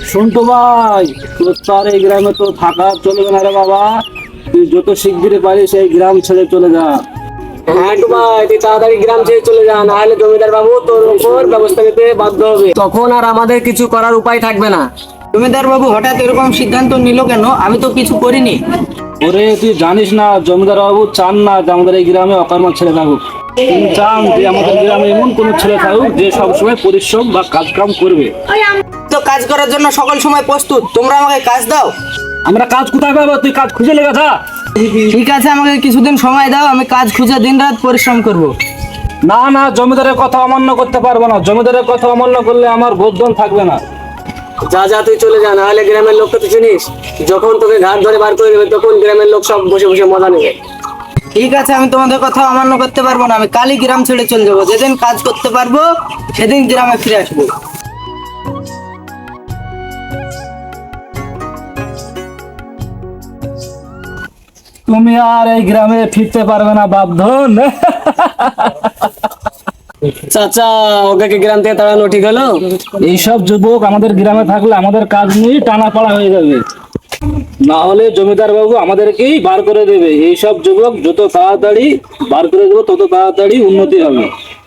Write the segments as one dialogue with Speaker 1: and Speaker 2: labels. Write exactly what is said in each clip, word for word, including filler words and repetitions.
Speaker 1: শুনতো ভাই, তোর তো আর এই গ্রামে তো থাকা চলবে না রে বাবা। তুই যত শিগগিরই পারিস এই গ্রাম ছেড়ে চলে যা।
Speaker 2: হ্যাঁ একটু ভাই, তুই তাড়াতাড়ি গ্রাম ছেড়ে চলে যা, না হলে জমিদার বাবু তোর উপর ব্যবস্থা নিতে বাধ্য হবে। তখন আর আমাদের কিছু করার উপায় থাকবে না।
Speaker 3: জমিদার বাবু হঠাৎ এরকম সিদ্ধান্ত নিল কেন? আমি তো কিছু করিনি।
Speaker 1: ওরে তুই জানিস না, জমিদার বাবু চান না যে আমাদের এই গ্রামে অকর্মা ছেলে থাকুক। তিনি চান যে আমাদের গ্রামে এমন কোন ছেলে থাকুক যে সবসময় পরিশ্রম বা কাজ কাম করবে।
Speaker 3: তো কাজ করার জন্য সকল সময় প্রস্তুত, তোমরা আমাকে কাজ দাও।
Speaker 1: আমরা কাজ কোথায় পাবো? তুই কাজ খুঁজে লেগে যা।
Speaker 3: ঠিক আছে, আমাকে কিছুদিন সময় দাও, আমি কাজ খুঁজে দিন রাত পরিশ্রম করব।
Speaker 1: না না, জমিদারের কথা অমান্য করতে পারবো না। জমিদারের কথা অমান্য করলে আমার গোধন থাকবে না।
Speaker 2: যা যা তুই চলে যা, না হলে গ্রামের লোককে তুই চিনিস, যখন তোকে ঘাট ধরে বার করে দেবে তখন গ্রামের লোক সব বসে বসে মজা নেবে।
Speaker 3: ঠিক আছে, আমি তোমাদের কথা অমান্য করতে পারবো না। আমি কালই গ্রাম ছেড়ে চলে যাবো। যেদিন কাজ করতে পারবো সেদিন গ্রামে ফিরে আসবো।
Speaker 1: তুমি আর এই গ্রামে ফিরতে পারবে না বাপধন।
Speaker 2: চাচা, ওকে কি গ্রাম থেকে তাড়ানো ঠিক হলো?
Speaker 1: এইসব যুবক আমাদের গ্রামে থাকলে আমাদের কাজ নিয়ে টানা পড়া হয়ে যাবে, না হলে জমিদার বাবু আমাদেরকেই বার করে দেবে। এইসব যুবক যত তাড়াতাড়ি বার করে দেবো তত তাড়াতাড়ি উন্নতি হবে।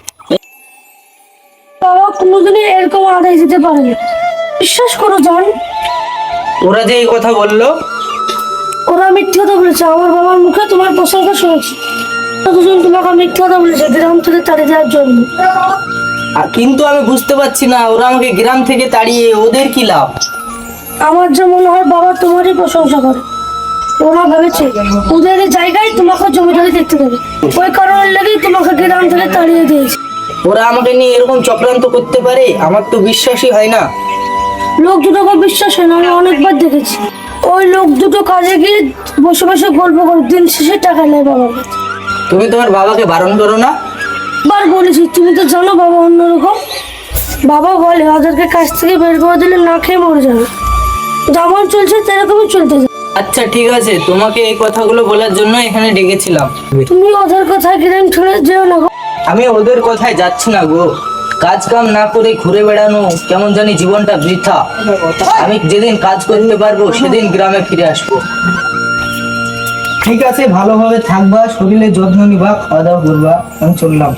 Speaker 4: বাবা কোনোদিনই এরকম আদায় যেতে পারে না, বিশ্বাস করো জান।
Speaker 3: ওরা যে এই কথা বললো,
Speaker 4: ওরা মিথ্যে কথা বলেছে। আমার বাবার মুখে তোমার প্রশংসা শুনেছি। দুজন তোমাকে মিথ্যে কথা বলেছে গ্রাম থেকে তাড়িয়ে দেওয়ার জন্য।
Speaker 3: আর কিন্তু আমি বুঝতে পারছি না ওরা আমাকে গ্রাম থেকে তাড়িয়ে ওদের কি লাভ।
Speaker 4: আমার যে মনে হয় বাবা তোমারই প্রশংসা করে। ওরা ভেবেছে ওদের এই জায়গায় তোমাকে জমিদারি দেখতে দেবে, ওই কারণের লেগেই তোমাকে গ্রাম থেকে তাড়িয়ে দিয়েছে।
Speaker 3: ওরা আমাকে নিয়ে এরকম চক্রান্ত করতে পারে, আমার তো বিশ্বাসই হয় না।
Speaker 4: লোক দুটোকে বিশ্বাস হয় না, আমি অনেকবার দেখেছি। ওই লোক দুটো কাজে গিয়ে বসে বসে গল্প করে দিন শেষে টাকা নেয় বাবার কাছে।
Speaker 3: তুমি তোমার বাবাকে বারণ করো না।
Speaker 4: বার বলেছি, তুমি তো জানো বাবা অন্যরকম। বাবা বলে ওদেরকে কাছ থেকে বের করে দিলে না খেয়ে মরে যাবে। যেমন চলছে সেরকমই চলতে যাবে।
Speaker 3: আচ্ছা ঠিক আছে, তোমাকে এই কথাগুলো বলার জন্য এখানে ডেকেছিলাম।
Speaker 4: তুমি ওদের কথা গ্রাম ছেড়ে যেও না গো।
Speaker 3: আমি ওদের কথায় যাচ্ছি না গো। কাজ কাম না করে ঘুরে বেড়ানো কেমন জানি জীবনটা বৃথা। আমি যেদিন কাজ করতে পারবো সেদিন গ্রামে ফিরে আসবো। ঠিক আছে, ভালোভাবে থাকবা, শরীরের যত্ন নিবা, খাওয়া দাওয়া করবা। আমি চললাম।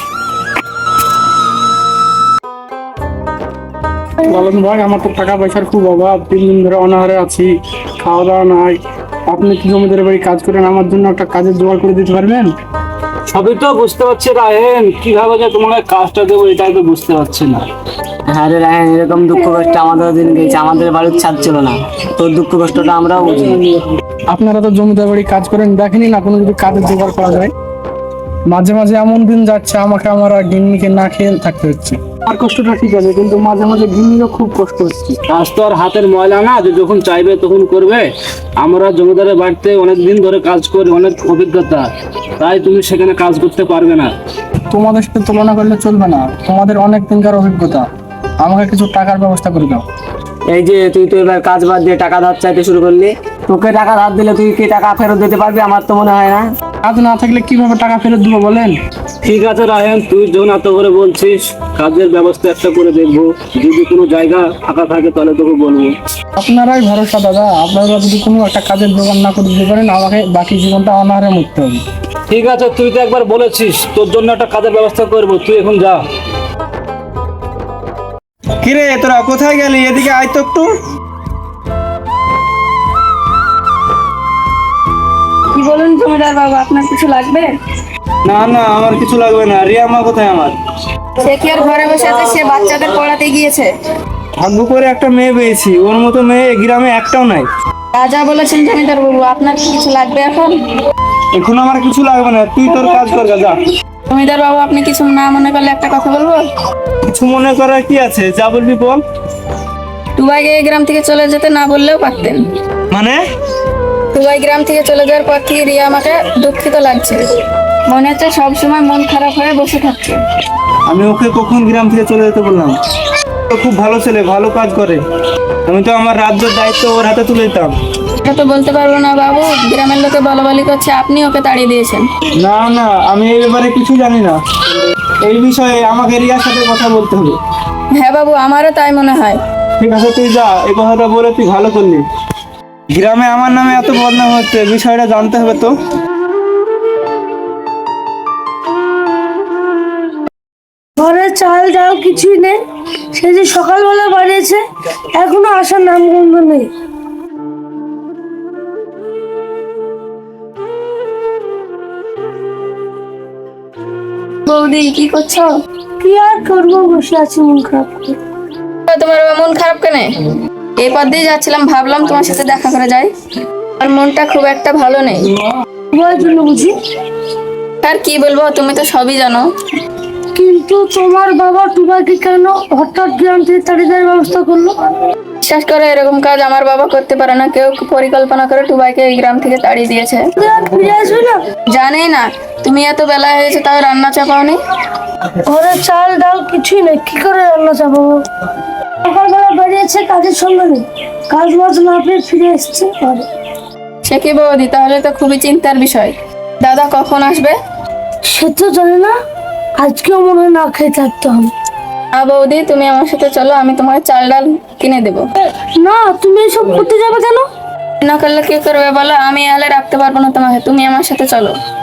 Speaker 5: বলেন ভাই, আমার তো টাকা পয়সার খুব অভাব। তিন দিন ধরে অনাহারে আছি, খাওয়া দাওয়া নাই। আপনি কি জমিদার বাড়ি কাজ করেন, আমার জন্য একটা কাজের জোগাড় করে দিতে পারবেন?
Speaker 1: সবই তো বুঝতে পারছি রাহেন, কিভাবে যে তোমাকে কাজটা দেবো এটাই তো বুঝতে পারছি না।
Speaker 2: হ্যাঁ রে রায়হান, এরকম দুঃখ কষ্ট আমাদের দিন গেছে, আমাদের বাড়ির ছাদ ছিল না। তোর দুঃখ কষ্টটা আমরাও বুঝি।
Speaker 5: আপনারা তো জমিদার বাড়ি কাজ করেন, দেখেনি না কোনো যদি কাজের জোগাড় করা যায়? মাঝে মাঝে এমন দিন যাচ্ছে আমাকে আমার আর গিন্নিকে না খেয়ে থাকতে হচ্ছে। আর কষ্টটা ঠিক আছে, কিন্তু মাঝে মাঝে গিন্নিরও খুব কষ্ট হচ্ছে।
Speaker 1: কাজ তো আর হাতের ময়লা না যে যখন চাইবে তখন করবে। আমরা জমিদারের বাড়িতে অনেক দিন ধরে কাজ করি, অনেক অভিজ্ঞতা, তাই তুমি সেখানে কাজ করতে পারবে না।
Speaker 5: তোমাদের সাথে তুলনা করলে চলবে না, তোমাদের অনেক দিনকার অভিজ্ঞতা। আমাকে কিছু টাকার ব্যবস্থা করে দাও।
Speaker 2: এই যে তুই তো এবার কাজ বাদ দিয়ে টাকা ধার চাইতে শুরু করলি, তোকে টাকা ধার দিলে তুই কি টাকা ফেরত দিতে পারবি? আমার তো মনে হয় না।
Speaker 5: কাজ না থাকলে কিভাবে টাকা ফেরত দেবো বলেন?
Speaker 1: ঠিক আছে রাহেন, তুই যখন এত করে বলছিস, কাজের ব্যবস্থা একটা করে দেখবো। যদি কোনো জায়গা ফাঁকা থাকে তাহলে তোকে বলবো।
Speaker 5: আপনারাই ভরসা দাদা, আপনারা যদি কোনো একটা কাজের জোগাড় না করে দিতে পারেন আমাকে বাকি জীবনটা অনাহারে মরতে হবে।
Speaker 1: ঠিক আছে, তুই তো একবার বলেছিস, তোর জন্য একটা কাজের ব্যবস্থা করবো, তুই এখন যা।
Speaker 6: কিরে তোরা কোথায় গেলি? এদিকে আয় তো একটু।
Speaker 4: কি বলুন জমিদার বাবু, আপনার কিছু লাগবে?
Speaker 6: না না, আমার কিছু লাগবে না। রিয়া মা কোথায় আমার?
Speaker 7: সে কি আর ঘরে বসে আছে? সে বাচ্চাদের পড়াতে গিয়েছে।
Speaker 6: ভাগ্য করে একটা মেয়ে পেয়েছি, ওর মতো মেয়ে এই গ্রামে একটাও নাই।
Speaker 7: রাজা বলেছেন জমিদার বাবু, আপনার কি কিছু লাগবে এখন?
Speaker 6: এখন আমার কিছু লাগবে না, তুই তোর কাজ কর যা।
Speaker 7: জমিদার বাবু, আপনি কিছু না মনে করলে একটা কথা বলবো?
Speaker 6: কিছু মনে করার কি আছে, যা বলবি বল।
Speaker 7: দুবাইকে এই গ্রাম থেকে চলে যেতে না বললেও পারতেন।
Speaker 6: মানে?
Speaker 7: দুবাই গ্রাম থেকে চলে যাওয়ার পর থেকে রিয়া আমাকে দুঃখিত লাগছে। মনে হচ্ছে সবসময় মন খারাপ হয়ে বসে থাকছে।
Speaker 6: আমি ওকে কখন গ্রাম থেকে চলে যেতে বললাম? ও খুব ভালো ছেলে, ভালো কাজ করে। আমি তো আমার রাজ্যের দায়িত্ব ওর হাতে তুলে দিতাম।
Speaker 7: এটা তো বলতে পারবো না বাবু, গ্রামের লোকে বলাবলি করছে আপনি ওকে তাড়িয়ে দিয়েছেন।
Speaker 6: না না, আমি এই ব্যাপারে কিছু জানি না। এই বিষয়ে আমাকে রিয়ার সাথে কথা বলতে হবে।
Speaker 7: হ্যাঁ বাবু, আমারও তাই মনে হয়।
Speaker 6: ঠিক আছে তুই যা, এই কথাটা বলে তুই ভালো করলি। গ্রামে আমার নামে এত বদনাম হচ্ছে, বিষয়টা জানতে হবে তো।
Speaker 4: ঘরে চাল ডাল কিছুই নেই, সে যে সকালবেলা বাড়িয়েছে এখনো আসার নাম গন্ধ নেই।
Speaker 7: বৌদি কি করছো?
Speaker 4: কি আর করবো, বসে আছি মন খারাপ করে।
Speaker 7: তোমার আবার মন খারাপ কেন? এই পথ দিয়ে যাচ্ছিলাম, ভাবলাম তোমার সাথে দেখা করে যাই। আর মনটা খুব একটা ভালো নেই।
Speaker 4: তোমার জন্য বুঝি?
Speaker 7: আর কি বলবো, তুমি তো সবই জানো।
Speaker 4: কিন্তু তোমার বাবা তোমাকে কেন হঠাৎ গ্রাম থেকে তাড়িয়ে দেওয়ার ব্যবস্থা করলো?
Speaker 7: বিশ্বাস করে, এরকম কাজ আমার বাবা করতে পারে না। কেউ পরিকল্পনা করে টুবাইকে এই গ্রাম থেকে তাড়িয়ে দিয়েছে।
Speaker 4: তুই আর ফিরে আসবে না?
Speaker 7: জানি না, তুমি এত বেলা হয়েছে তাও রান্না চাপাওনি।
Speaker 4: ঘরে চাল ডাল কিছুই নেই, কি করে রান্না চাপাবো? সকালবেলা বেরিয়েছে, কাজের সঙ্গে নেই, কাজ বাজ না পেয়ে ফিরে এসছে ঘরে।
Speaker 7: সে কি বৌদি, তাহলে তো খুবই চিন্তার বিষয়। দাদা কখন আসবে?
Speaker 4: সে তো জানি না, আজকেও মনে হয় না খেয়ে থাকতে হবে।
Speaker 7: আ বৌদি, তুমি আমার সাথে চলো, আমি তোমাকে চাল ডাল কিনে দেবো।
Speaker 4: না, তুমি এসব করতে যাবে কেন?
Speaker 7: না করলে কি করবে বলো? আমি এলে রাখতে পারবো না তোমাকে, তুমি আমার সাথে চলো।